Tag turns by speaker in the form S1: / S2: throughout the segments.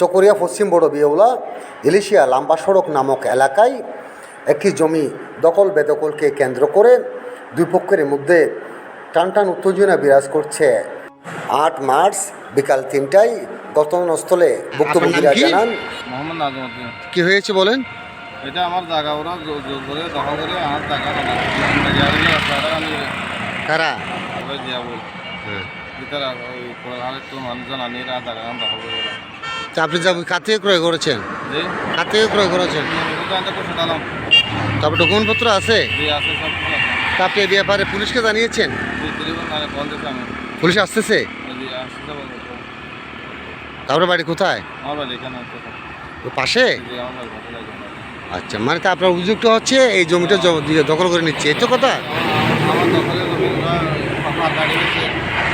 S1: চকরিয়া পশ্চিম বড় বিয়ৌলা ইলিশিয়া লাম্বা সড়ক নামক এলাকায় একটি জমি দখল বেদখলকে কেন্দ্র করে দুই পক্ষের মধ্যে টানটান উত্তেজনা বিরাজ করছে। 8 মার্চ বিকাল 3টায় ঘটনাস্থলে ভুক্তভোগীরা জানান,
S2: মোহাম্মদ নাজমুদ্দিন।
S3: কি হয়েছে বলেন?
S2: এটা আমার জায়গা, ওরা জোর করে দখল করে আমার জায়গা
S3: কারা?
S2: জিয়াবুল ভিতরে ওই আরেকটু মানুষজন আনিয়ে জায়গা দখল করে।
S3: তা আপনি কার থেকে ক্রয় করেছেন?
S2: জি,
S3: কার থেকে ক্রয় করেছেন? তারপর ডকুমেন্টপত্র আছে?
S2: জি আছে, সব কিছু আছে।
S3: তা আপনি এই ব্যাপারে পুলিশকে জানিয়েছেন?
S2: জি, টেলিফোন ফোন দিয়েছি আমি।
S3: পুলিশ আসতেছে?
S2: জি আসতে বলবো।
S3: তারপরে বাড়ি কোথায়?
S2: আমার বাড়ি এখানে
S3: ওই পাশে?
S2: জি, আমার বাড়ি পাশে লাগে।
S3: আচ্ছা, মানে তা আপনার অভিযোগটা হচ্ছে এই জমিটা দখল করে নিচ্ছে, এই তো কথা?
S2: আমার দখলে জমি ওরা গাড়ি গেছে।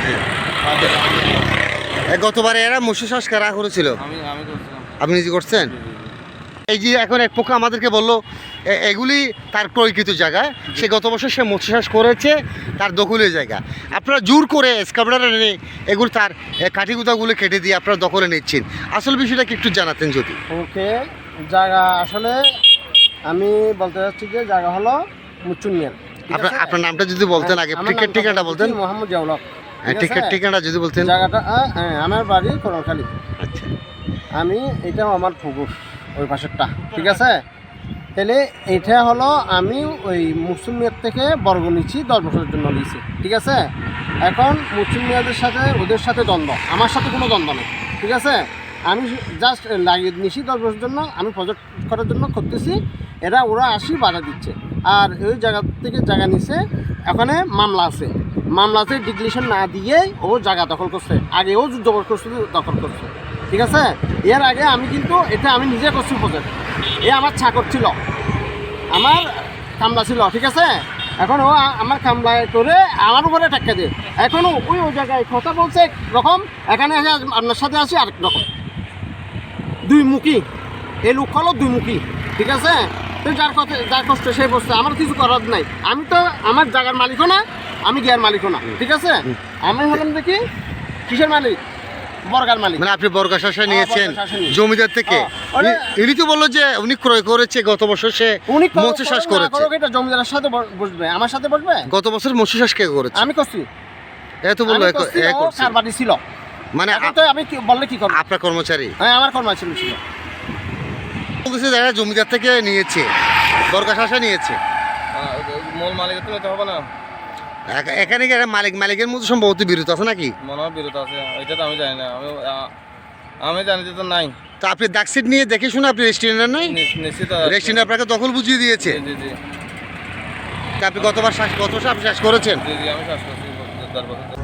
S3: গতবারে এরা মৎস্য চাষ কারা করেছিল?
S2: আমি করছিলাম।
S3: আপনি নিজে করছেন? এই যে এখন এক পক্ষ আমাদেরকে বললো এগুলি তার ক্রয়কৃত জায়গা, সে গত বছর সে মৎস্য চাষ করেছে, তার দখলের জায়গা। আপনারা জোর করে এসকাভেটর এনে এগুলো তার কাঠিগুদাগুলো কেটে দিয়ে আপনারা দখলে নিচ্ছেন। আসল বিষয়টা কি একটু জানাতেন যদি?
S4: ওকে, জায়গা আসলে আমি বলতে চাচ্ছি যে জায়গা হলো মুচুনিয়ার।
S3: আপনার নামটা যদি বলতেন আগে, টিকিট ঠিকানাটা বলতেন।
S4: মোহাম্মদ জিয়াউল হক।
S3: টিকিট ঠিকানাটা যদি বলতেন।
S4: জায়গাটা হ্যাঁ, আমার বাড়ি করণখালী।
S3: আচ্ছা,
S4: আমি এটাও আমার পুকুর ওই পাশেরটা, ঠিক আছে। তাহলে এটা হলো আমি ওই মুসুমিয়ার থেকে বর্গ নিচ্ছি, 10 বছরের জন্য নিয়েছি, ঠিক আছে। এখন মুসুমিয়াদের সাথে ওদের সাথে দ্বন্দ্ব, আমার সাথে কোনো দ্বন্দ্ব নেই, ঠিক আছে। আমি জাস্ট লাগিয়ে নিয়েছি 10 বছরের জন্য, আমি প্রজেক্ট করার জন্য করতেছি, ওরা আসি বাধা দিচ্ছে। আর ওই জায়গা থেকে জায়গা নিছে, এখানে মামলা আছে, মামলাতে ডিক্লিশন না দিয়ে ও জায়গা দখল করছে, আগে ও জবরদস্তি দখল করছে, ঠিক আছে। এর আগে আমি কিন্তু এটা আমি নিজে করছি প্রজেক্ট, আমার চাকর ছিল, আমার কামলা ছিল, ঠিক আছে। এখন ও আমার কামলায় করে আমার উপরে টাকা দেয়। এখনও ওই জায়গায় কথা বলছে একরকম, এখানে এসে আপনার সাথে আসি আরেক রকম, দুই মুখী। এই লোক হলো দুই মুখী, ঠিক আছে। তো যার কষ্ট সেই বসছে, আমার কিছু করার নাই। আমি তো আমার জায়গার মালিকও না, আমি গিয়ার মালিকও না, ঠিক আছে। আমি হলাম দেখি কিসের মালিক, বর্গার মালিক।
S3: মানে আপনি বর্গা শাসা নিয়েছেন জমিদার থেকে? ইনি তো বললো যে উনি ক্রয় করেছে গত বছর, সে মৎস্য চাষ করেছে।
S4: এটা জমিদারের সাথে বসবে, আমার সাথে বসবে?
S3: গত বছর মৎস্য চাষ কে করেছে?
S4: আমি করছি।
S3: এত বললো
S4: কার বাড়ি ছিল,
S3: মানে
S4: আমি বললে কি করব?
S3: আপনার কর্মচারী?
S4: হ্যাঁ, আমার কর্মচারী ছিল।
S3: বলতেছে যারা জমিদার থেকে নিয়েছে, বর্গা শাসা নিয়েছে,
S2: মূল মালিকের তো হবে না।
S3: এখানে কি মালিকের মধ্যে সম্ভবত বিরোধ আছে নাকি?
S2: মনে হয় বিরোধ আছে, এটা তো আমি জানি না। আমি জানি যে তো নাই।
S3: তো আপনি ডাকসিট নিয়ে দেখে শুনে আপনি রেস্টুরেন্টের নাই?
S2: নিশ্চিত
S3: রেস্টুরেন্ট আপনাকে দখল বুঝিয়ে দিয়েছে?
S2: জি জি।
S3: আপনি গত বছর শ্বাস করেছেন?
S2: জি জি, আমি শ্বাস করছি 10 বছর।